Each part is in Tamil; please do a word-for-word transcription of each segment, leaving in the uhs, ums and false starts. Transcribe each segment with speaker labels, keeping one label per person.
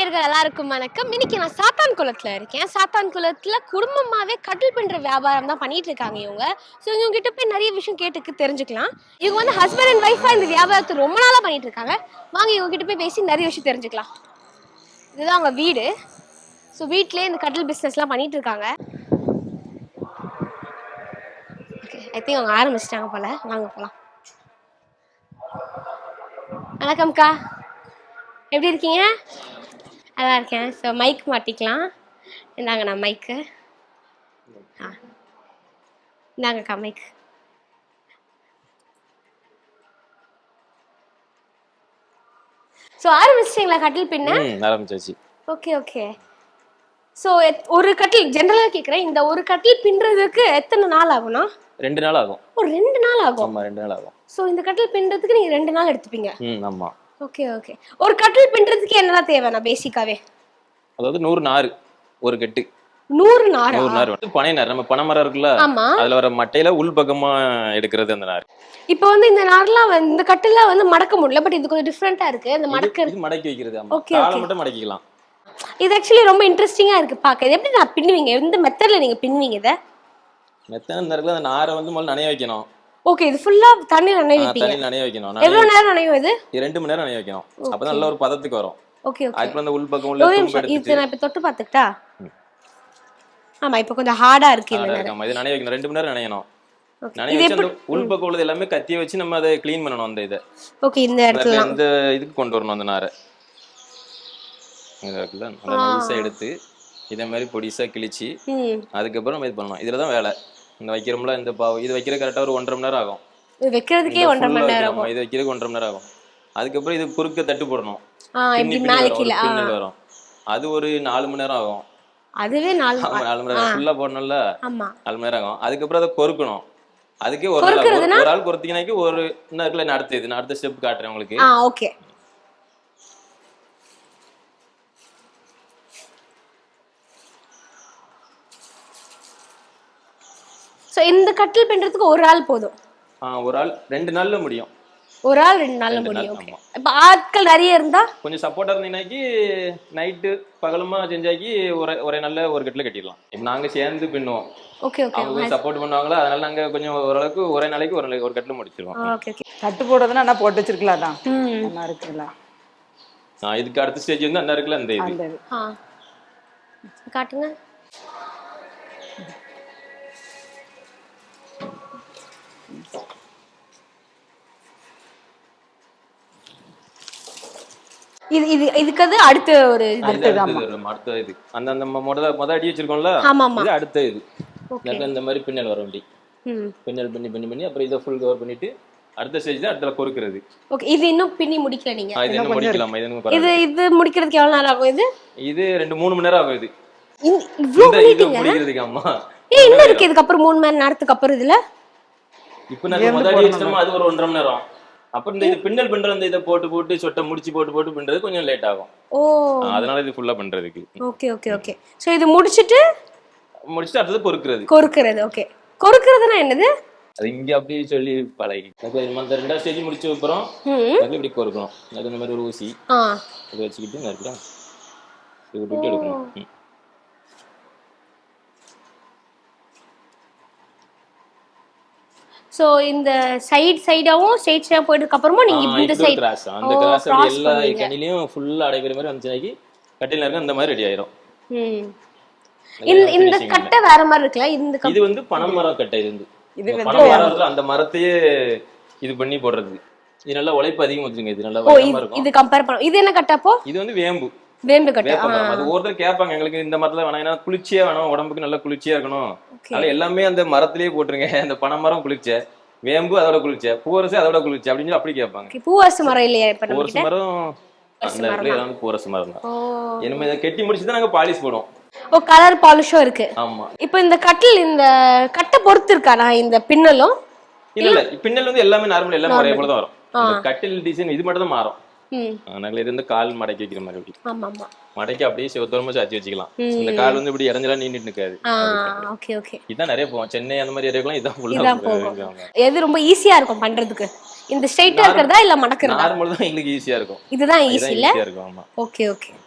Speaker 1: நேயர்கள் எல்லாருக்கும் வணக்கம். இன்னைக்கு நான் சாத்தான் குளத்துல இருக்கேன். சாத்தான் குளத்துல குடும்பமாவே கட்டில் பின்ற வியாபாரம் தான் பண்ணிட்டு இருக்காங்க இவங்க. ஸோ இவங்க கிட்ட போய் நிறைய விஷயம் கேட்டு தெரிஞ்சுக்கலாம். இவங்க வந்து ஹஸ்பண்ட் அண்ட் ஒய்ஃபா இந்த வியாபாரத்தை ரொம்ப நாளா பண்ணிட்டு இருக்காங்க. வாங்க இவங்க கிட்ட போய் பேசி நிறைய விஷயம் தெரிஞ்சுக்கலாம். இதுதான் அவங்க வீடு. ஸோ வீட்லயே இந்த கட்டில் பிஸ்னஸ்லாம் பண்ணிட்டு இருக்காங்க. ஓகே, ஐ திங்க் அவங்க ஆரம்பிச்சிட்டாங்க போல. வாங்க போகலாம். வணக்கம்க்கா, எப்படி இருக்கீங்க? நல்லா இருக்கேன். ஸோ மைக் மாட்டிக்கலாம். இந்தாங்க நான் மைக்கு. ஆ இந்தாங்கக்கா மைக். ஸோ ஆரம்பிச்சிட்டிங்களா கட்டில் பின்ன?
Speaker 2: ஆரம்பிச்சாச்சு.
Speaker 1: Okay okay. ஸோ ஒரு கட்டில் ஜென்ரலாக கேட்குறேன், இந்த ஒரு கட்டில் பின்னுறதுக்கு எத்தனை நாள் ஆகும்னா?
Speaker 2: ரெண்டு நாள் ஆகும்.
Speaker 1: ஒரு ரெண்டு நாள் ஆகும்?
Speaker 2: ஆமாம், ரெண்டு நாள் ஆகும்.
Speaker 1: ஸோ இந்த கட்டில் பின்னுறதுக்கு நீங்கள் ரெண்டு நாள் எடுத்துப்பீங்க?
Speaker 2: ம், ஆமாம்.
Speaker 1: Okay okay. ஒரு கட்டில் பின்னுறதுக்கு என்னெல்லாம் தேவைண்ணா பேசிக்காவே?
Speaker 2: அதாவது நூறு நார் ஒரு கட்டு.
Speaker 1: நூறு நார்?
Speaker 2: நூறு நார் வந்து பனை நார். நம்ம பனை மரம் இருக்குல்ல, அதுல வர மட்டையில உள் பக்கமா எடுக்கிறது அந்த நார்.
Speaker 1: இப்போ வந்து இந்த நார்லாம் வந்து இந்த கட்டிலாம் வந்து மடக்க முடியல, பட் இது கொஞ்சம் டிஃபரெண்டா இருக்கு. இந்த மடக்க
Speaker 2: இது மடக்கி வைக்கிறது. ஆமா, காலை மட்டும் மடக்கிக்கலாம்.
Speaker 1: இது ஆக்சுவலி ரொம்ப இன்ட்ரெஸ்டிங்கா இருக்கு பார்க்க. இது எப்படி நான் பின்னுவீங்க? எந்த மெத்தட்ல நீங்க பின்னுவீங்க இத?
Speaker 2: மெத்தட் இந்த இருக்குல, அந்த நாரை வந்து முதல்ல நனைய வைக்கணும்.
Speaker 1: ஓகே, இது ஃபுல்லா தண்ணி நனைய வைப்பீங்க?
Speaker 2: தண்ணி நனைய வைக்கணும்.
Speaker 1: எவ்வளவு நேரம் நனையும் இது?
Speaker 2: ரெண்டு மணி நேரம் நனைய வைக்கணும். அப்பதான் நல்ல ஒரு பதத்துக்கு வரும்.
Speaker 1: Okay okay.
Speaker 2: அதுக்கு அந்த உள் பக்கம் உள்ள தும்பு எடுத்து
Speaker 1: இது நான் இப்ப தொட்டு பார்த்துட்டா. ஆமா, இப்போ கொஞ்சம் ஹார்டா இருக்கு இந்த நேரம்.
Speaker 2: ஆமா, இது நனைய வைக்கணும். ரெண்டு மணி நேரம் நனையணும். நனைய வச்சு அந்த உள் பக்கம் உள்ளது எல்லாமே கத்திய வச்சு நம்ம அதை க்ளீன் பண்ணணும். அந்த இத ஓகே, இந்த இடத்துல இந்த இதுக்கு கொண்டு வரணும். அந்த நாரை இந்த இருக்குல்ல, அந்த நைஸா எடுத்து இதே மாதிரி பொடிசா கிழிச்சு அதுக்கப்புறம் நம்ம இது பண்ணணும். இதுலதான் வேலை. இந்த வைக்கிறோம்ல, இந்த பாவு இது வைக்கிற கரெக்டா ஒரு ஒன்றரை மணி நேரம் ஆகும். இது வைக்கிறதுக்கே ஒன்றரை மணி நேரம் ஆகும். இது வைக்கிறதுக்கு ஒன்றரை மணி நேரம் ஆகும். அதுக்கப்புறம் இது குறுக்க தட்டு போடணும். வரும். அது ஒரு நாலு மணி நேரம் ஆகும். அதுவே நாலு நாலு மணி நேரம் ஃபுல்லா போடணும்ல. நாலு மணி நேரம் ஆகும். அதுக்கப்புறம் அதை கொறுக்கணும். அதுக்கே ஒரு நாள் ஒரு ஆள் கொறுத்தீங்கன்னாக்கி ஒரு இன்னும் இருக்குல்ல, நான் அடுத்த இது நான் அடுத்த ஸ்டெப் காட்டுறேன் உங்களுக்கு.
Speaker 1: ஓகே. சோ இந்த கட்டில் பின்றதுக்கு ஒரு ஆள் போதும்?
Speaker 2: ஆ, ஒரு ஆள் ரெண்டு நாள்ல முடியும்.
Speaker 1: ஒரு ஆள் ரெண்டு நாள்ல முடியும். ஓகே. இப்ப ஆட்கள் நிறைய இருந்தா
Speaker 2: கொஞ்சம் சப்போர்ட்டா இருந்தீங்கன்னாக்கி நைட்டு பகலுமா செஞ்சாக்கி ஒரே ஒரே நாள்ல ஒரு கட்டில கட்டிடலாம். இப்ப நாங்க சேர்ந்து பின்னுவோம். Okay okay. அவங்க சப்போர்ட் பண்ணுவாங்களா, அதனால நாங்க கொஞ்சம் ஓரளவுக்கு ஒரே நாளைக்கு ஒரு ஒரு கட்டில முடிச்சிருவோம்.
Speaker 1: Okay okay.
Speaker 3: கட்டு போடுறதுன்னா என்ன போட்டு வச்சிருக்கலாம் தான். நல்லா இருக்குல்ல.
Speaker 2: ஆ, இதுக்கு அடுத்த ஸ்டேஜ் வந்து அண்ணா இருக்குல்ல, அந்த இது.
Speaker 1: ஆ, காட்டுங்க. இது இது இதுக்கு அது அடுத்த ஒரு இது
Speaker 2: அடுத்த இது அந்த அந்த முத முத அடி வச்சிருக்கோம்ல, இது அடுத்த இது. இந்த மாதிரி பின்னல் வர வேண்டி பின்னல் பண்ணி பண்ணி பண்ணி அப்புறம் இதை ஃபுல் கவர் பண்ணிட்டு அடுத்த ஸ்டேஜ் தான் அடுத்த கொறுக்குறது.
Speaker 1: ஓகே. இது இன்னும் பின்னி முடிக்கல நீங்க?
Speaker 2: இது இன்னும் முடிக்கலாம். இது இன்னும்
Speaker 1: இது இது முடிக்கிறதுக்கு எவ்வளவு நேரம் ஆகும்? இது
Speaker 2: இது ரெண்டு மூணு மணி நேரம் ஆகும். இது
Speaker 1: இவ்ளோ
Speaker 2: முடிக்கிறதுக்கு. ஆமா,
Speaker 1: ஏ என்ன இருக்கு இதுக்கு அப்புறம் மூணு மணி நேரத்துக்கு அப்புறம் இதுல?
Speaker 2: இப்போ நான் முத அடி வச்சோமா, அது ஒரு ஒன்றரை மணி நேரம். அப்புறம் இந்த இது பின்னல் பண்ற அந்த இதை போட்டு போட்டு சொட்டை முடிச்சு போட்டு போட்டு பண்றது கொஞ்சம் லேட் ஆகும். ஓ, அதனால இது ஃபுல்லா பண்றதுக்கு.
Speaker 1: Okay okay okay. சோ இது முடிச்சிட்டு
Speaker 2: முடிச்சிட்டு அடுத்து கொறுக்குறது.
Speaker 1: கொறுக்குறது. ஓகே. கொறுக்குறதுனா என்னது?
Speaker 2: அது இங்க அப்படியே சொல்லி பழகி அந்த ரெண்டாவது ஸ்டேஜ் முடிச்ச அப்புறம் அது இப்படி கொறுக்கணும். அது இந்த மாதிரி ஒரு ஊசி அதை வச்சுக்கிட்டு நறுக்கா இது விட்டு எடுக்கணும்.
Speaker 1: சோ இந்த சைடு சைடாவும் ஸ்ட்ரைட் சைடா போயிட்டதுக்கு அப்புறமா நீங்க இந்த சைடு
Speaker 2: கிராஸ் அந்த கிராஸ் எல்லா கனிலையும் ஃபுல்லா அடைக்கிற மாதிரி வந்துச்சாக்கி கட்டில இருக்க அந்த மாதிரி ரெடி ஆயிரும். ம், இந்த இந்த கட்டை வேற மாதிரி இருக்குல. இந்த இது வந்து பனைமரம் கட்டை. இது இது பனைமரத்துல அந்த மரத்தையே இது பண்ணி போடுறது. இது நல்லா உழைப்பு அதிகம் வச்சுங்க. இது நல்லா வளமா இருக்கும். இது கம்பேர் பண்ண இது என்ன கட்டப்போ? இது வந்து வேம்பு. வேம்பு கட்டை. அது ஒருத்தர் கேட்பாங்க எங்களுக்கு இந்த மரத்துல வேணாம், ஏன்னா குளிர்ச்சியா வேணும், உடம்புக்கு நல்லா குளிர்ச்சியா இருக்கணும், அதனால எல்லாமே அந்த மரத்திலேயே போட்டுருங்க. அந்த பனைமரம் குளிர்ச்ச, வேம்பு அதோட குளிர்ச்ச, பூவரசு அதோட குளிர்ச்சி அப்படின்னு அப்படி கேட்பாங்க. பூவரசு மரம் இல்லையா? பூவரசு மரம் அந்த இடத்துல ஏதாவது பூவரசு மரம் தான். இனிமே இதை கெட்டி முடிச்சுதான் நாங்க பாலிஷ் போடுவோம்.
Speaker 1: ஓ, கலர் பாலிஷும் இருக்கு.
Speaker 2: ஆமா.
Speaker 1: இப்போ இந்த கட்டில் இந்த கட்டை பொறுத்து இருக்கானா இந்த பின்னலும்?
Speaker 2: இல்ல இல்ல, பின்னல் வந்து எல்லாமே நார்மல் எல்லாமே ஒரே போல தான் வரும். இந்த கட்டில் டிசைன் இது மட்டும் தான் மாறும். அதனால இது வந்து கால் மடக்கி வைக்கிற மாதிரி. ஆமா ஆமா, மடக்கி அப்படியே செவத்தோரமா சாச்சி வச்சுக்கலாம். இந்த கால் வந்து இப்படி இறஞ்சலாம் நீண்டிட்டு இருக்காது. Okay okay. இதான் நிறைய போவோம். சென்னை அந்த மாதிரி ஏரியாக்கெல்லாம் இதான் ஃபுல்லா போகும்.
Speaker 1: எது ரொம்ப ஈஸியா இருக்கும் பண்றதுக்கு? இந்த ஸ்ட்ரைட்டா இருக்கறதா இல்ல மடக்குறதா?
Speaker 2: நார்மல் தான் எங்களுக்கு ஈஸியா இருக்கும்.
Speaker 1: இதுதான் ஈஸி இல்ல?
Speaker 2: இருக்கும். ஆமா.
Speaker 1: Okay okay.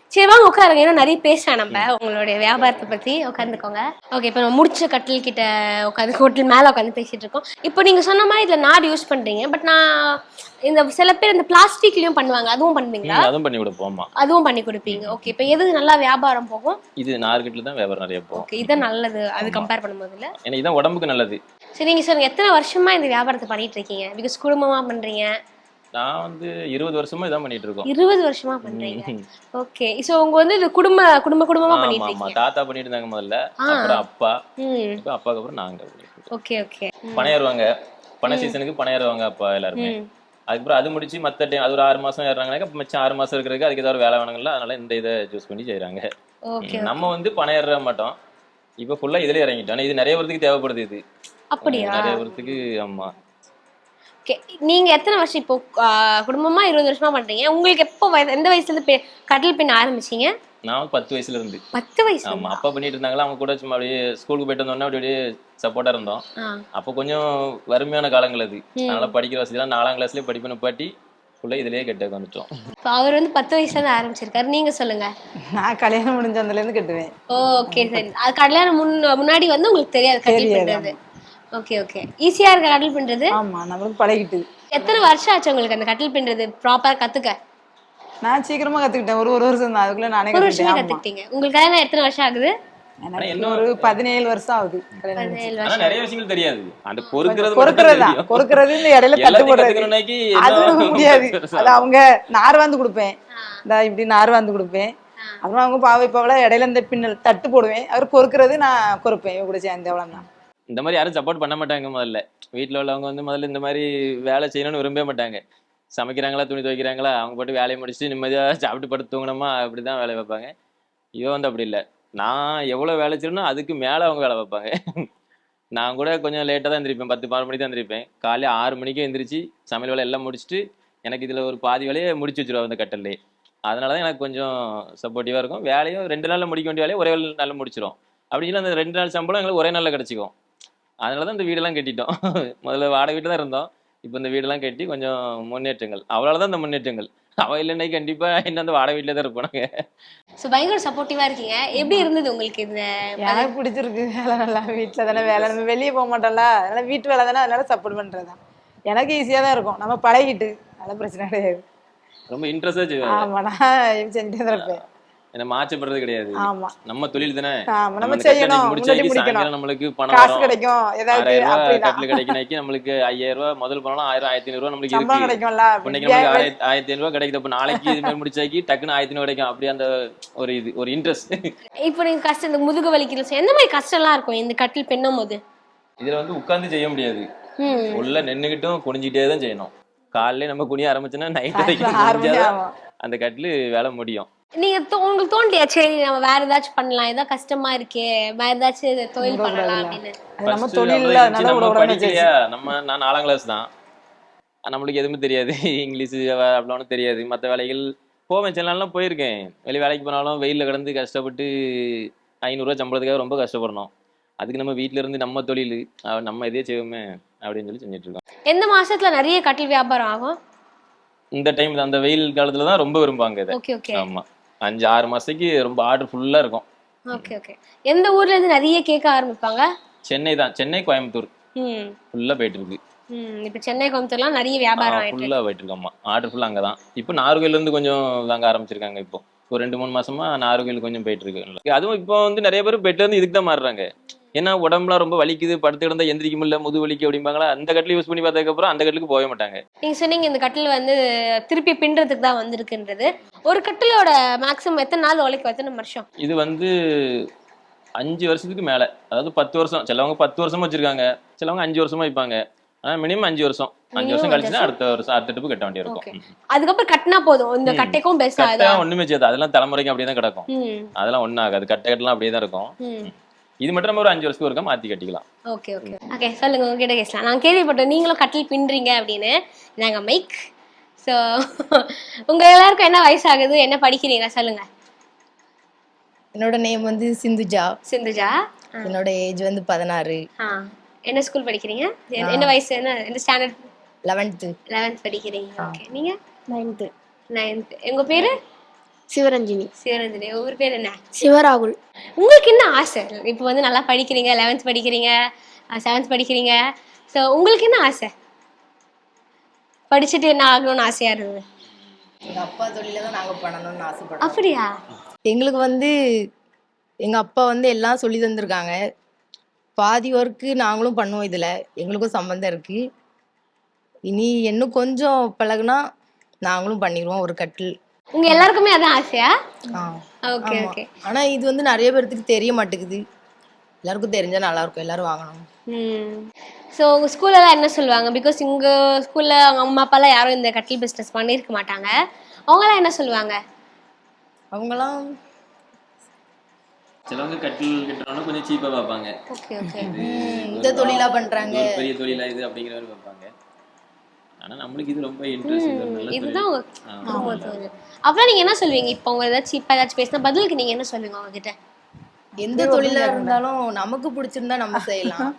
Speaker 1: சரி வாங்க உட்காருங்க, ஏன்னா நிறைய பேசலாம் நம்ம உங்களுடைய வியாபாரத்தை பத்தி. உட்காந்துக்கோங்க. ஓகே, இப்போ நம்ம முடிச்ச கட்டில் கிட்ட உட்காந்து ஹோட்டல் மேல உட்காந்து பேசிட்டு இருக்கோம். இப்போ நீங்க சொன்ன மாதிரி இதுல நார் யூஸ் பண்றீங்க, பட் நான் இந்த சில பேர் இந்த பிளாஸ்டிக்லயும் பண்ணுவாங்க, அதுவும் பண்ணுவீங்களா?
Speaker 2: அதுவும் பண்ணி கொடுப்போம்.
Speaker 1: அதுவும் பண்ணி கொடுப்பீங்க. ஓகே, இப்போ எது நல்லா வியாபாரம் போகும்? இது
Speaker 2: நார்கிட்ல தான் வியாபாரம் நிறைய போகும்.
Speaker 1: ஓகே, இது நல்லது அது கம்பேர் பண்ணும்போது இல்ல?
Speaker 2: ஏன்னா இதான் உடம்புக்கு நல்லது.
Speaker 1: சரி, நீங்க சொல்லுங்க எத்தனை வருஷமா இந்த வியாபாரத்தை பண்ணிட்டு இருக்கீங்க? பிகாஸ் குடும்பமா பண்றீங்க.
Speaker 2: நான் வந்து இருபது வருஷமா இதான் பண்ணிட்டு இருக்கோம்.
Speaker 1: இருபது வருஷமா பண்றீங்க. ஓகே, சோ உங்க வந்து இது குடும்ப குடும்ப குடும்பமா பண்ணிட்டு இருக்கீங்க.
Speaker 2: ஆமா, தாத்தா பண்ணிட்டு இருந்தாங்க முதல்ல, அப்புறம் அப்பா, இப்போ அப்பாக்கு அப்புறம் நாங்க.
Speaker 1: Okay okay.
Speaker 2: பணம் ஏறுவாங்க, பண சீசனுக்கு பணம் ஏறுவாங்க அப்பா எல்லாருமே. அதுக்கப்புறம் அது முடிச்சு மத்த டைம் அது ஒரு ஆறு மாசம் ஏறாங்கனாக்க மிச்சம் ஆறு மாசம் இருக்கிறதுக்கு அதுக்கு ஏதாவது வேலை வேணுங்களா, அதனால இந்த இதை சூஸ் பண்ணி செய்யறாங்க. நம்ம வந்து பணம் ஏற மாட்டோம், இப்ப ஃபுல்லா இதுல இறங்கிட்டோம். இது நிறைய பேருக்கு தேவைப்படுது. இது
Speaker 1: அப்படியா?
Speaker 2: நிறைய பேருக்கு. ஆமா.
Speaker 1: நீங்க எத்தனை வருஷம் இப்போ குடும்பமா இருபது வருஷமா பண்றீங்க? உங்களுக்கு எப்போ எந்த வயசுல இருந்து கட்டில் பின்ன ஆரம்பிச்சீங்க?
Speaker 2: நான் பத்து வயசுல இருந்து.
Speaker 1: பத்து வயசு?
Speaker 2: ஆமா, அப்பா பண்ணிட்டு இருந்தாங்களா, அவங்க கூட சும்மா அப்படியே ஸ்கூலுக்கு போயிட்டு வந்தோம்னா அப்படியே சப்போர்ட்டா இருந்தோம். அப்போ கொஞ்சம் வறுமையான காலங்கள் அது, அதனால படிக்கிற வசதியெல்லாம் நாலாம் கிளாஸ்லயே படிப்பு பாட்டி ஃபுல்லா இதுலயே கெட்ட வந்துட்டோம்.
Speaker 1: அவர் வந்து பத்து வயசுல இருந்து ஆரம்பிச்சிருக்காரு. நீங்க சொல்லுங்க.
Speaker 3: நான் கல்யாணம் முடிஞ்ச அதுல இருந்து கட்டுவேன்.
Speaker 1: ஓகே சரி. அது கல்யாணம் முன்னாடி வந்து உங்களுக்கு தெரியாது கட்டில் பின்றது? Okay okay. ஈஸியா இருக்க கட்டில் பின்றது?
Speaker 3: ஆமா, நம்மளுக்கு பழகிட்டு.
Speaker 1: எத்தனை வருஷம் ஆச்சு உங்களுக்கு அந்த கட்டில் பின்றது ப்ராப்பரா கத்துக்க?
Speaker 3: நான் சீக்கிரமா கத்துக்கிட்டேன். ஒரு ஒரு வருஷம் தான், அதுக்குள்ள நானே
Speaker 1: கத்துக்கிட்டேன். உங்களுக்கு கல்யாணம் எத்தனை வருஷம் ஆகுது?
Speaker 3: எனக்கு ஒரு பதினேழு வருஷம் ஆகுது.
Speaker 2: நிறைய விஷயங்கள் தெரியாது. அந்த பொறுக்கிறது
Speaker 3: பொறுக்கிறதா பொறுக்கிறது இந்த இடையில தட்டு போடுறது அது முடியாது. அது அவங்க நார் வந்து கொடுப்பேன், இந்த இப்படி நார் வந்து கொடுப்பேன். அப்புறம் அவங்க பாவை பாவல இடையில இந்த பின்னல் தட்டு போடுவேன். அவர் பொறுக்கிறது நான் பொறுப்பேன். கூட சேர்ந்து அவ்வளவுதான்.
Speaker 2: இந்த மாதிரி யாரும் சப்போர்ட் பண்ண மாட்டாங்க. முதல்ல வீட்டுல உள்ளவங்க வந்து முதல்ல இந்த மாதிரி வேலை செய்யணும்னு விரும்பவே மாட்டாங்க. சமைக்கிறாங்களா, துணி துவைக்கிறாங்களா, அவங்க போட்டு வேலையை முடிச்சுட்டு நிம்மதியா சாப்பிட்டு படுத்து தூங்கணுமா, அப்படிதான் வேலை வைப்பாங்க. இவன் வந்து அப்படி இல்லை. நான் எவ்வளவு வேலை செய்யணும் அதுக்கு மேல அவங்க வேலை வைப்பாங்க. நான் கூட கொஞ்சம் லேட்டா தான் எந்திரிப்பேன், பத்து பதினொரு மணிக்கு தான் எந்திரிப்பேன். காலையில ஆறு மணிக்கே எந்திரிச்சு சமையல் வேலை எல்லாம் முடிச்சுட்டு எனக்கு இதுல ஒரு பாதி வேலையை முடிச்சு வச்சிருவாங்க அந்த கட்டல்லே. அதனாலதான் எனக்கு கொஞ்சம் சப்போர்ட்டிவா இருக்கும். வேலையும் ரெண்டு நாள்ல முடிக்க வேண்டிய வேலையை ஒரே நாள்ல முடிச்சிடும். அப்படி இல்லை அந்த ரெண்டு நாள் சம்பளம் எங்களுக்கு ஒரே நாள்ல கிடைச்சிக்கும். அதனாலதான் இந்த வீடெல்லாம் கட்டிட்டோம். முதல்ல வாடகை வீட்டு தான் இருந்தோம், இப்போ இந்த வீடெல்லாம் கட்டி கொஞ்சம் முன்னேற்றங்கள். அவளாலதான் இந்த முன்னேற்றங்கள். அவ இல்லைன்னா கண்டிப்பா என்ன அந்த வாடகை வீட்டுல தான் இருப்பாங்க.
Speaker 1: சோ பயங்கர சப்போர்ட்டிவா இருக்கீங்க. எப்படி இருந்தது உங்களுக்கு இந்த?
Speaker 3: எனக்கு பிடிச்சிருக்கு. வேலை நல்லா வீட்டுல தானே வேலை, நம்ம வெளியே போக மாட்டோம்ல, அதனால வீட்டு வேலை தானே, அதனால சப்போர்ட் பண்றதுதான் எனக்கு ஈஸியா தான் இருக்கும். நம்ம பழகிட்டு அதெல்லாம் பிரச்சனை கிடையாது.
Speaker 2: ரொம்ப இன்ட்ரெஸ்டா செய்வேன்.
Speaker 3: ஆமா, நான் செஞ்சுட்டே தான் இருப்பேன்.
Speaker 2: என்ன மாற்றப்படுறது கிடையாது.
Speaker 3: ஆமா,
Speaker 2: நம்ம தொழில் தானே,
Speaker 3: நம்ம செய்யணும். முடிக்கணும்,
Speaker 2: நம்மளுக்கு பணம்
Speaker 3: காசு கிடைக்கும், ஏதாவது
Speaker 2: கட்டில் கிடைக்கணும். நம்மளுக்கு ஐயாயிரம் ரூபாய் முதல் பணம் ஆயிரம் ஆயிரத்தி ஐநூறு ரூபாய் நம்மளுக்கு
Speaker 3: சம்பளம் கிடைக்கும்ல.
Speaker 2: இன்னைக்கு நமக்கு ஆயிரத்தி ஆயிரத்தி ஐநூறு ரூபாய் கிடைக்குது. அப்ப நாளைக்கு இது மாதிரி முடிச்சாக்கி டக்குன்னு ஆயிரத்தி ஐநூறு கிடைக்கும். அப்படி அந்த ஒரு இது ஒரு இன்ட்ரெஸ்ட்.
Speaker 1: இப்போ நீங்க கஷ்டம், இந்த முதுகு வலிக்கிறது எந்த மாதிரி கஷ்டம் எல்லாம் இருக்கும் இந்த கட்டில் பின்னும் போது?
Speaker 2: இதுல வந்து உட்கார்ந்து செய்ய முடியாது, உள்ள நின்னுகிட்டும் குனிஞ்சிட்டே தான் செய்யணும். காலையில நம்ம குனிய ஆரம்பிச்சோன்னா நைட் வரைக்கும் அந்த கட்டில் வேலை முடியும்.
Speaker 1: நீங்க உங்களுக்கு தோண்டியா சரி நம்ம வேற ஏதாச்சும் பண்ணலாம், ஏதாவது கஷ்டமா இருக்கே, வேற ஏதாச்சும் தொழில் பண்ணலாம் அப்படின்னு?
Speaker 3: நம்ம தொழில்
Speaker 2: நம்ம படிக்கலையா, நம்ம நான் நாலாம் கிளாஸ் தான், நம்மளுக்கு எதுவுமே தெரியாது. இங்கிலீஷ் அவ்வளோ தெரியாது. மற்ற வேலைகள் போவேன், சில நாள்லாம் போயிருக்கேன். வெளியே வேலைக்கு போனாலும் வெயிலில் கிடந்து கஷ்டப்பட்டு ஐநூறுரூவா சம்பளத்துக்காக ரொம்ப கஷ்டப்படணும். அதுக்கு நம்ம வீட்டில இருந்து நம்ம தொழில் நம்ம இதே செய்வோமே அப்படின்னு சொல்லி செஞ்சுட்டு இருக்கோம்.
Speaker 1: எந்த மாசத்துல நிறைய கட்டில் வியாபாரம் ஆகும்?
Speaker 2: இந்த டைம் அந்த வெயில் காலத்துல தான் ரொம்ப விரும்புவாங்க இதை.
Speaker 1: Okay okay.
Speaker 2: ஆமா, அஞ்சு ஆறு மாசத்துக்கு ரொம்ப ஆர்டர் ஃபுல்லா இருக்கும்.
Speaker 1: Okay okay. எந்த ஊர்ல இருந்து நிறைய கேட்க ஆரம்பிப்பாங்க?
Speaker 2: சென்னை தான், சென்னை கோயம்புத்தூர் ஃபுல்லா போயிட்டு இருக்கு.
Speaker 1: இப்போ சென்னை கோயம்புத்தூர்லாம் நிறைய வியாபாரம் ஆயிட்டு
Speaker 2: ஃபுல்லா போயிட்டு இருக்கு. ஆமா, ஆர்டர் ஃபுல்லா அங்கதான். இப்போ நாகர்கோயில்ல இருந்து கொஞ்சம் வாங்க ஆரம்பிச்சிருக்காங்க. இப்போ ஒரு ரெண்டு மூணு மாசமா நாகர்கோயில் கொஞ்சம் போயிட்டு இருக்கு. அதுவும் இப்போ வந்து நிறைய பேர் பெட்ல இருந்து இதுக்கு தான் மாறுறாங்க. ஏன்னா உடம்புலாம் ரொம்ப வலிக்குது, படுத்து கிடந்தா எந்திரிக்க முடியல, முது வலிக்கு அப்படிம்பாங்களா. அந்த கட்டில் யூஸ் பண்ணி பார்த்ததுக்கு அப்புறம் அந்த கட்டிலுக்கு போக மாட்டாங்க.
Speaker 1: நீங்க சொன்னீங்க இந்த கட்டில் வந்து திருப்பி பின்றதுக்கு தான் வந்திருக்குன்றது. ஒரு கட்டிலோட மேக்ஸிமம் எத்தனை நாள் உழைக்கும், எத்தனை வருஷம்? இது
Speaker 2: வந்து அஞ்சு வருஷத்துக்கு மேல, அதாவது பத்து வருஷம். சிலவங்க பத்து வருஷமா வச்சிருக்காங்க, சிலவங்க அஞ்சு வருஷமா வைப்பாங்க. ஆனா மினிமம் அஞ்சு வருஷம். அஞ்சு வருஷம் கழிச்சுதான் அடுத்த வருஷம் அடுத்த ட்ரிப்பு கட்ட வேண்டிய இருக்கும்.
Speaker 1: அதுக்கப்புறம் கட்டினா போதும். இந்த கட்டைக்கும் பெஸ்ட் ஆகுது.
Speaker 2: ஒண்ணுமே செய்யாது, அதெல்லாம் தலைமுறைக்கு அப்படியே தான் கிடக்கும். அதெல்லாம் ஒன்னும் ஆகாது, கட்டை கட்டலாம் அப்படியே தான் இருக்கும். இது மட்டும் நம்ம ஒரு அஞ்சு வருஷத்துக்கு ஒருக்கா மாத்தி கட்டிக்கலாம்.
Speaker 1: Okay okay okay. சொல்லுங்க, உங்ககிட்ட கேட்கலாம். நான் கேள்விப்பட்டேன் நீங்களும் கட்டில் பின்றீங்க அப்படின்னு. நாங்க மைக். ஸோ உங்க எல்லாருக்கும் என்ன வயசாகுது, என்ன படிக்கிறீங்க சொல்லுங்க?
Speaker 4: என்னோட நேம் வந்து சிந்துஜா.
Speaker 1: சிந்துஜா.
Speaker 4: என்னோட ஏஜ் வந்து பதினாறு.
Speaker 1: என்ன ஸ்கூல் படிக்கிறீங்க? என்ன வயசு, என்ன என்ன ஸ்டாண்டர்ட்?
Speaker 4: லெவன்த்து.
Speaker 1: லெவன்த் படிக்கிறீங்க. ஓகே. நீங்க?
Speaker 5: நைன்த்து.
Speaker 1: நைன்த். உங்க பேரு?
Speaker 5: சிவரஞ்சினி.
Speaker 1: சிவரஞ்சனி. உங்க பேர் என்ன?
Speaker 5: சிவராகுல்.
Speaker 1: உங்களுக்கு என்ன ஆசை? இப்போ வந்து நல்லா படிக்கிறீங்க, லெவன்த் படிக்கிறீங்க, செவன்த் படிக்கிறீங்க. ஸோ உங்களுக்கு என்ன ஆசை? படிச்சுட்டு என்ன ஆகணும்னு ஆசையா இருந்தது?
Speaker 4: எங்கள் அப்பா தொழில தான் நாங்கள் பண்ணணும்னு ஆசைப்படுறோம்.
Speaker 1: அப்படியா?
Speaker 4: எங்களுக்கு வந்து எங்கள் அப்பா வந்து எல்லாம் சொல்லி தந்திருக்காங்க. பாதி ஒர்க்கு நாங்களும் பண்ணுவோம். இதில் எங்களுக்கும் சம்மந்தம் இருக்குது. இனி இன்னும் கொஞ்சம் பழகுனா நாங்களும் பண்ணிடுவோம் ஒரு கட்டில்.
Speaker 1: உங்க எல்லாருக்குமே அதான் ஆசையா?
Speaker 4: ஆ
Speaker 1: ஓகே ஓகே.
Speaker 4: ஆனால் இது வந்து நிறைய பேர்த்துக்கு தெரிய மாட்டேங்குது. எல்லாருக்கும் தெரிஞ்சால் நல்லாயிருக்கும், எல்லோரும் வாங்கணும்.
Speaker 1: ம். ஸோ உங்கள் ஸ்கூல்லலாம் என்ன சொல்லுவாங்க? பிகாஸ் உங்கள் ஸ்கூலில் அவங்க அம்மா அப்பாலாம் யாரும் இந்த கட்டில் பிஸ்னஸ் பண்ணியிருக்க மாட்டாங்க. அவங்களாம் என்ன சொல்லுவாங்க?
Speaker 4: அவங்களாம்
Speaker 2: சிலவங்க கட்டில் கட்டுறவங்க கொஞ்சம் சீப்பாக பார்ப்பாங்க.
Speaker 1: Okay okay.
Speaker 4: இந்த தொழிலாக பண்ணுறாங்க,
Speaker 2: பெரிய தொழிலா இது அப்படிங்கிற மாதிரி பார்ப்பாங்க. ஆனால் நம்மளுக்கு இது ரொம்ப இன்ட்ரெஸ்ட்.
Speaker 1: இதுதான் உங்க குடும்ப தொழில். அப்புறம் நீங்கள் என்ன சொல்லுவீங்க? இப்போ உங்க ஏதாச்சும் சீப்பாக ஏதாச்சும் பேசினா பதிலுக்கு நீங்கள் என்ன சொல்லுவீங்க அவங்ககிட்ட?
Speaker 4: எந்த தொழிலாக இருந்தாலும் நமக்கு பிடிச்சிருந்தா நம்ம செய்யலாம்.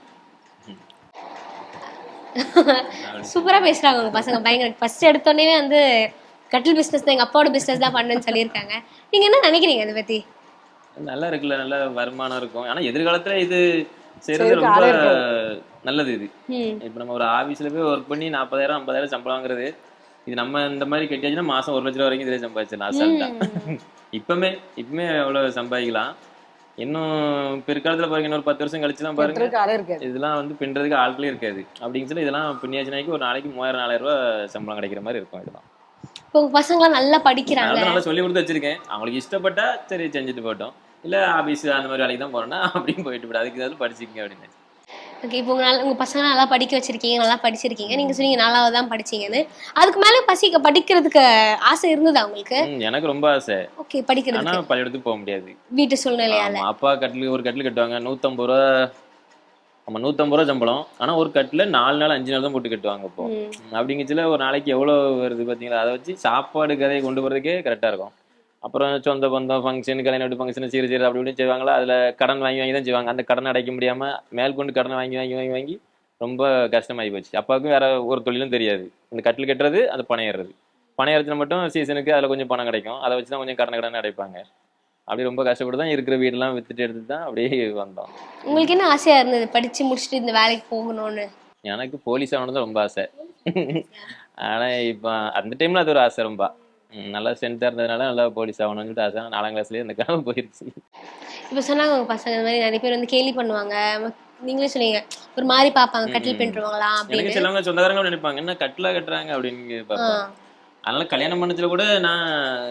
Speaker 1: சூப்பரா பேசுறாங்க உங்க பசங்க. பயங்கர ஃபர்ஸ்ட் எடுத்தோடனே வந்து கட்டில் பிசினஸ் தான் எங்க அப்பாவோட பிசினஸ் தான் பண்ணுன்னு சொல்லியிருக்காங்க. நீங்க என்ன நினைக்கிறீங்க அதை பத்தி?
Speaker 2: நல்லா இருக்குல்ல, நல்ல வருமானம் இருக்கும். ஆனா எதிர்காலத்துல இது செய்யறது ரொம்ப நல்லது. இது இப்ப நம்ம ஒரு ஆபீஸ்ல போய் ஒர்க் பண்ணி நாற்பதாயிரம் ஐம்பதாயிரம் சம்பளம் வாங்குறது, இது நம்ம இந்த மாதிரி கட்டியாச்சுன்னா மாசம் ஒரு லட்ச ரூபா வரைக்கும் இதுல சம்பாதிச்சிடலாம் அசால்ட்டா. இப்பவுமே இப்பவுமே எவ்வளவு சம்பாதிக்கலாம். இன்னும் பிற்காலத்துல பாருங்க, இன்னொரு பத்து வருஷம் கழிச்சுலாம் பாருங்க, இதெல்லாம் வந்து பின்றதுக்கு ஆட்களே இருக்காது. அப்படிங்க சொல்லி இதெல்லாம் பின்னியாச்சுனாக்கி ஒரு நாளைக்கு மூவாயிரம் நாலாயிரம் ரூபாய் சம்பளம் கிடைக்கிற மாதிரி இருக்கும். இதெல்லாம்
Speaker 1: இப்போ உங்க பசங்க நல்லா படிக்கிறாங்க,
Speaker 2: நல்லா சொல்லி கொடுத்து வச்சிருக்கேன். அவங்களுக்கு இஷ்டப்பட்டா சரி செஞ்சுட்டு போட்டோம், இல்ல ஆபீஸ் அந்த மாதிரி வேலைக்கு தான் போறோம்னா அப்படின்னு போயிட்டு போட, அதுக்கு ஏதாவது படிச்சுக்கங்க அப்படின்னு.
Speaker 1: ஓகே. இப்போ உங்க உங்க பசங்க நல்லா படிக்க வச்சிருக்கீங்க, நல்லா படிச்சிருக்கீங்க. நீங்க சொன்னீங்க நாலாவது தான் படிச்சீங்கன்னு. அதுக்கு மேல பசிக்க படிக்கிறதுக்கு ஆசை இருந்ததா உங்களுக்கு?
Speaker 2: எனக்கு ரொம்ப ஆசை.
Speaker 1: ஓகே. படிக்கிறது
Speaker 2: ஆனா பள்ளிக்கூடத்துக்கு போக முடியாது, வீட்டு
Speaker 1: சூழ்நிலையால.
Speaker 2: அப்பா கட்டில் ஒரு கட்டில் கட்டுவாங்க நூத்தம்பது ரூபா. ஆமா நூத்தம்பது ரூபா சம்பளம். ஆனா ஒரு கட்டில நாலு நாள் அஞ்சு நாள் தான் போட்டு கட்டுவாங்க. இப்போ அப்படிங்கச்சுல ஒரு நாளைக்கு எவ்வளவு வருது பாத்தீங்களா? அதை வச்சு சாப்பாடு கதையை கொண்டு போறதுக்கே கரெக்டா இருக்கும். அப்புறம் சொந்த பந்தம் ஃபங்க்ஷன், கல்யாண வீட்டு ஃபங்க்ஷன், சீர் சீர் அப்படி இப்படின்னு செய்வாங்களா. அதில் கடன் வாங்கி வாங்கி தான் செய்வாங்க. அந்த கடனை அடைக்க முடியாமல் மேற்கொண்டு கடனை வாங்கி வாங்கி வாங்கி வாங்கி ரொம்ப கஷ்டமாகி போச்சு. அப்பாவுக்கும் வேற ஒரு தொழிலும் தெரியாது. இந்த கட்டில் கட்டுறது, அது பணம் ஏறுறது. பணம் ஏறத்துல மட்டும் சீசனுக்கு அதில் கொஞ்சம் பணம் கிடைக்கும். அதை வச்சு தான் கொஞ்சம் கடனை கடனை அடைப்பாங்க. அப்படி ரொம்ப கஷ்டப்பட்டு தான் இருக்கிற வீடெல்லாம் வித்துட்டு எடுத்துட்டு தான் அப்படியே வந்தோம்.
Speaker 1: உங்களுக்கு என்ன ஆசையாக இருந்தது படித்து முடிச்சுட்டு இந்த வேலைக்கு போகணும்னு?
Speaker 2: எனக்கு போலீஸ் ஆகணும் தான் ரொம்ப ஆசை. ஆனால் இப்போ அந்த டைமில் அது ஒரு ஆசை ரொம்ப நல்லா ஸ்ட்ரென்த்தாக இருந்ததுனால நல்லா போலீஸ் ஆகணும்னு சொல்லிட்டு ஆசை. நாலாம் கிளாஸ்லேயே இந்த கனவு போயிடுச்சு. இப்போ
Speaker 1: சொன்னாங்க உங்கள் பசங்க இந்த மாதிரி நிறைய பேர் வந்து கேலி பண்ணுவாங்க, நீங்களே சொன்னீங்க ஒரு மாதிரி பார்ப்பாங்க, கட்டில் பின்னுவாங்களா அப்படின்னு.
Speaker 2: சிலவங்க சொந்தக்காரங்க நினைப்பாங்க என்ன கட்டிலா கட்டுறாங்க அப்படின்னு பார்ப்பாங்க. அதனால கல்யாணம் பண்ணதுல கூட நான்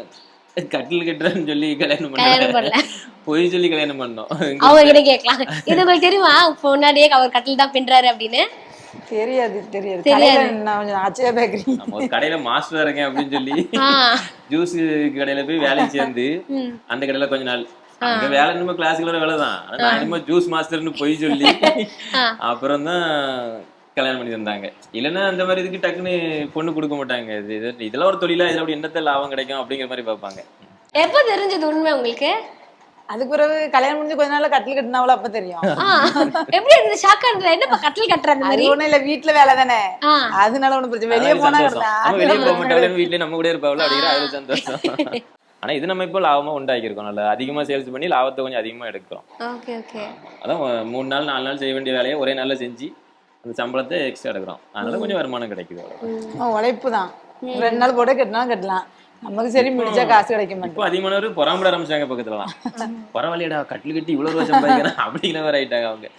Speaker 2: கட்டில் கட்டுறேன்னு சொல்லி கல்யாணம் பண்ணல, பொய் சொல்லி கல்யாணம் பண்ணோம்.
Speaker 1: அவங்க கிட்ட கேட்கலாம், இது உங்களுக்கு தெரியுமா முன்னாடியே அவர் கட்டில் தான் பின்றாரு அப்படின்னு?
Speaker 3: தெரியாது தெரியாது தெரியாது. ஆச்சரிய பேக்கரி
Speaker 2: ஒரு கடையில மாஸ்டர் இருக்கேன் அப்படின்னு சொல்லி ஜூஸ் கடையில போய் வேலைக்கு சேர்ந்து அந்த கடையில கொஞ்ச நாள் அங்க வேலை என்னமோ கிளாஸுக்குள்ள வேலை தான், ஆனா நான் என்னமோ ஜூஸ் மாஸ்டர்னு போய் சொல்லி அப்புறம் தான் கல்யாணம் பண்ணி தந்தாங்க. இல்லைன்னா அந்த மாதிரி இதுக்கு டக்குன்னு பொண்ணு கொடுக்க மாட்டாங்க. இது இதெல்லாம் ஒரு தொழிலா, இதுல அப்படி என்னத்த லாபம் கிடைக்கும் அப்படிங்கிற மாதிரி பார்ப்பாங்க.
Speaker 1: எப்போ தெரிஞ்சது உண்மை உங்களுக்கு?
Speaker 3: அதுக்கு பிறகு கல்யாணம் முடிஞ்சு கொஞ்ச நாள் கட்டில் கட்டினாவளோ அப்ப தெரியும்.
Speaker 1: எப்படி இருந்தது? ஷாக்கா இருந்தது? என்னப்பா கட்டில் கட்டுற அந்த மாதிரி?
Speaker 3: ஒண்ணும் இல்ல, வீட்டுல வேலை தானே, அதனால ஒண்ணும் பிரச்சனை. வெளியே போனா
Speaker 2: வெளியே போக மாட்டாங்க, வீட்டுல நம்ம கூட இருப்பாவில அப்படிங்கிற அது சந்தோஷம். ஆனா இது நம்ம இப்போ லாபமா உண்டாக்கிருக்கோம், நல்லா அதிகமா சேல்ஸ் பண்ணி லாபத்தை கொஞ்சம் அதிகமா எடுக்கிறோம்.
Speaker 1: Okay okay.
Speaker 2: அதான் மூணு நாள் நாலு நாள் செய்ய வேண்டிய வேலையை ஒரே நாள்ல செஞ்சு அந்த சம்பளத்தை எக்ஸ்ட்ரா எடுக்கிறோம். அதனால கொஞ்சம் வருமானம் கிடைக்குது.
Speaker 3: உழைப்பு தான், ரெண்டு நாள் போட கட்டினாலும் கட்டலாம், நமக்கு சரி முடிச்சா காசு கிடைக்க மாட்டேன்.
Speaker 2: இப்போ அதிகமானவர் பொறாமட ஆரம்பிச்சாங்க பக்கத்துலலாம். பரவாயில்லையடா கட்டில் கட்டி இவ்வளவு ரூபா சம்பாதிக்கிறேன் அப்படிங்கிற மாதிரி ஆயிட்டாங்க அவங்க.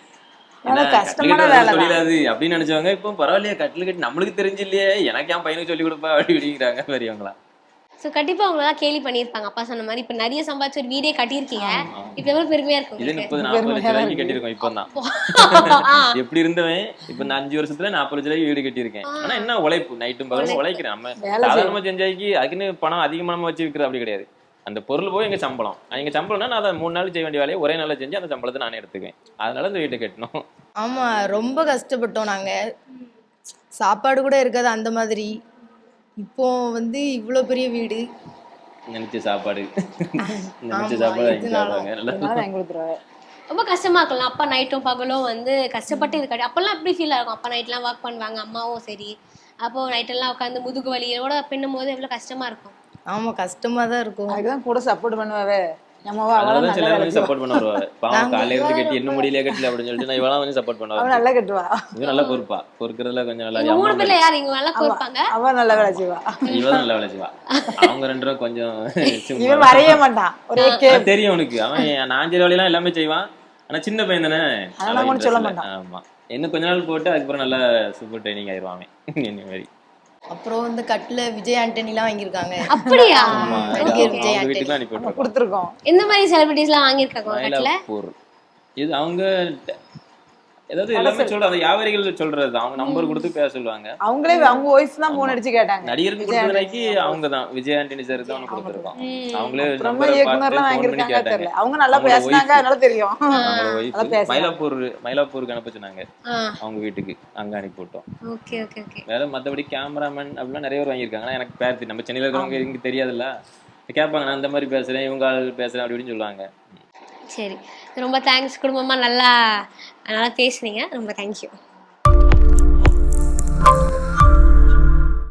Speaker 2: தொழிலாது அப்படின்னு நினைச்சவங்க இப்போ பரவாயில்லையா கட்டில் கட்டி நம்மளுக்கு தெரிஞ்சு இல்லையே, எனக்கு என் பையனுக்கு சொல்லி கொடுப்பா அப்படி அப்படிங்கிறாங்க பெரியவங்களாம்.
Speaker 1: ஸோ கண்டிப்பா அவங்களதான் கேலி பண்ணியிருப்பாங்க அப்பா சொன்ன மாதிரி. இப்போ நிறைய சம்பாதிச்சு ஒரு வீடே கட்டியிருக்கீங்க, இப்போ எவ்வளவு பெருமையா இருக்கும்.
Speaker 2: இது முப்பது நாற்பது லட்சம் ரூபாய்க்கு கட்டியிருக்கோம் இப்போ தான். எப்படி இருந்தவன் இப்போ இந்த அஞ்சு வருஷத்துல நாற்பது லட்ச ரூபாய்க்கு வீடு கட்டியிருக்கேன். ஆனா என்ன உழைப்பு, நைட்டும் பகலும் உழைக்கிறேன். நம்ம சாதாரணமா செஞ்சாக்கி அதுக்குன்னு பணம் அதிகமா வச்சு விற்கிறது அப்படி கிடையாது. அந்த பொருள் போய் எங்க சம்பளம், எங்க சம்பளம்னா நான் அதை மூணு நாள் செய்ய வேண்டிய வேலையை ஒரே நாள் செஞ்சு அந்த சம்பளத்தை நானே எடுத்துக்குவேன். அதனால இந்த வீட்டை கட்டணும்.
Speaker 4: ஆமா ரொம்ப கஷ்டப்பட்டோம் நாங்க, சாப்பாடு கூட இருக்காது அந்த மாதிரி. இப்போ வந்து இவ்வளோ பெரிய வீடு,
Speaker 2: நினைச்ச சாப்பாடு நினைச்ச சாப்பாடு வாங்கி கொடுத்துருவாங்க.
Speaker 1: ரொம்ப கஷ்டமா இருக்கலாம். அப்பா நைட்டும் பகலும் வந்து கஷ்டப்பட்டு இது கட்டி அப்பெல்லாம் எப்படி ஃபீல் ஆகும்? அப்பா நைட்லாம் ஒர்க் பண்ணுவாங்க, அம்மாவும் சரி. அப்போ நைட்டெல்லாம் உட்காந்து முதுகு வலியோட பின்னும் போது எவ்வளோ கஷ்டமா இருக்கும்.
Speaker 4: ஆமா கஷ்டமா தான் இருக்கும்.
Speaker 3: அதுக்குதான் கூட சப்போர்ட் பண்ணுவாவே நம்மவா அவள
Speaker 2: அதனால
Speaker 3: நல்லா
Speaker 2: சில
Speaker 3: வேலை
Speaker 2: வந்து
Speaker 3: செய்வா.
Speaker 2: சப்போர்ட் பண்ணுவாங்க. பாவம் காலையில இருந்து கட்டி இன்னும் முடியலையே கட்டல அப்படின்னு சொல்லிட்டு நான் இவளாம் வந்து சப்போர்ட்
Speaker 3: அவ
Speaker 2: பண்ணுவாங்க.
Speaker 3: நல்லா கட்டுவா.
Speaker 2: இது நல்லா பொறுப்பா பொறுக்கிறதுல கொஞ்சம் நல்லா
Speaker 1: இவங்க
Speaker 2: அம்மா
Speaker 1: மூணு பேர்ல
Speaker 2: மாதிரி.
Speaker 1: யார் இங்க வேலை கோர்ப்பாங்க?
Speaker 3: அவ நல்லா வேலை செய்வா.
Speaker 2: இவ தான் நல்லா வேலை செய்வா. அவங்க ரெண்டு பேரும் கொஞ்சம் சும்மா
Speaker 3: இவன் வரைய மாட்டான். ஒரே கே
Speaker 2: அது தெரியும் அவனுக்கு. அவன் நாஞ்சல் வேலையெல்லாம் எல்லாமே செய்வான். ஆனா சின்ன பையன் தானே.
Speaker 3: அதெல்லாம் ஒண்ணும் சொல்ல மாட்டான்.
Speaker 2: ஆமா. இன்னும் கொஞ்ச நாள் போட்டு அதுக்கப்புறம் நல்லா சூப்பர் ட்ரைனிங் ஆயிருவான் என்ன மாதிரி.
Speaker 4: அப்புறம் வந்து கட்டில விஜய் ஆண்டனிலாம் வாங்கியிருக்காங்க.
Speaker 1: அப்படியா?
Speaker 2: ஆமா.
Speaker 4: நடிகர்
Speaker 2: அவங்க
Speaker 4: விஜய்
Speaker 2: வீட்டுக்கு
Speaker 4: ஆண்டனி
Speaker 2: அனுப்பி
Speaker 3: நம்ம
Speaker 2: விட்டுருக்கோம்.
Speaker 3: கொடுத்துருக்கோம்.
Speaker 1: எந்த மாதிரி செலிபிரிட்டிஸ் எல்லாம் வாங்கியிருக்காங்க உங்க கட்டில?
Speaker 2: மயிலாப்பூர். இது அவங்க ஏதாவது எல்லாமே சொல்ற அந்த வியாபாரிகள் சொல்றது அவங்க நம்பர் கொடுத்து பேச சொல்லுவாங்க.
Speaker 3: அவங்களே அவங்க வாய்ஸ் தான் போன் அடிச்சு கேட்டாங்க.
Speaker 2: நடிகருக்கு கொடுத்ததுக்கு அவங்க தான் விஜய் ஆண்டனி சார் தான் கொடுத்துருக்கோம். அவங்களே
Speaker 3: ரொம்ப
Speaker 2: நம்பரை
Speaker 3: இயக்குனர்லாம்
Speaker 2: பார்த்து ஃபோன் பண்ணி
Speaker 3: வாங்கியிருக்காங்க
Speaker 2: கேட்டாங்க.
Speaker 3: தெரியல. அவங்க நல்லா
Speaker 2: அவங்களோட
Speaker 3: பேசினாங்க
Speaker 2: wife.
Speaker 3: அதனால தெரியும்.
Speaker 2: அவங்களோட wife
Speaker 3: நல்லா பேசுறாங்க.
Speaker 2: மயிலாப்பூர் மயிலாப்பூருக்கு அனுப்ப சொன்னாங்க.
Speaker 1: ஆ,
Speaker 2: அவங்க வீட்டுக்கு அங்க அனுப்பி விட்டோம்.
Speaker 1: Okay okay okay.
Speaker 2: வேற மத்தபடி கேமராமேன் அப்படிலாம் நிறைய பேர் வாங்கியிருக்காங்க. ஆனா எனக்கு பேர் தெரியும். நம்ம சென்னையில இருக்கிறவங்க இங்க தெரியாதுல்ல. கேட்பாங்க நான் இந்த மாதிரி பேசுறேன் இவங்க ஆள் பேசுறேன் அப்படி இப்படின்னு சொல்லுவாங்க.
Speaker 1: சரி, ரொம்ப தேங்க்ஸ். குடும்பமா நல்லா நல்லா பேசுனீங்க. ரொம்ப தேங்க்யூ.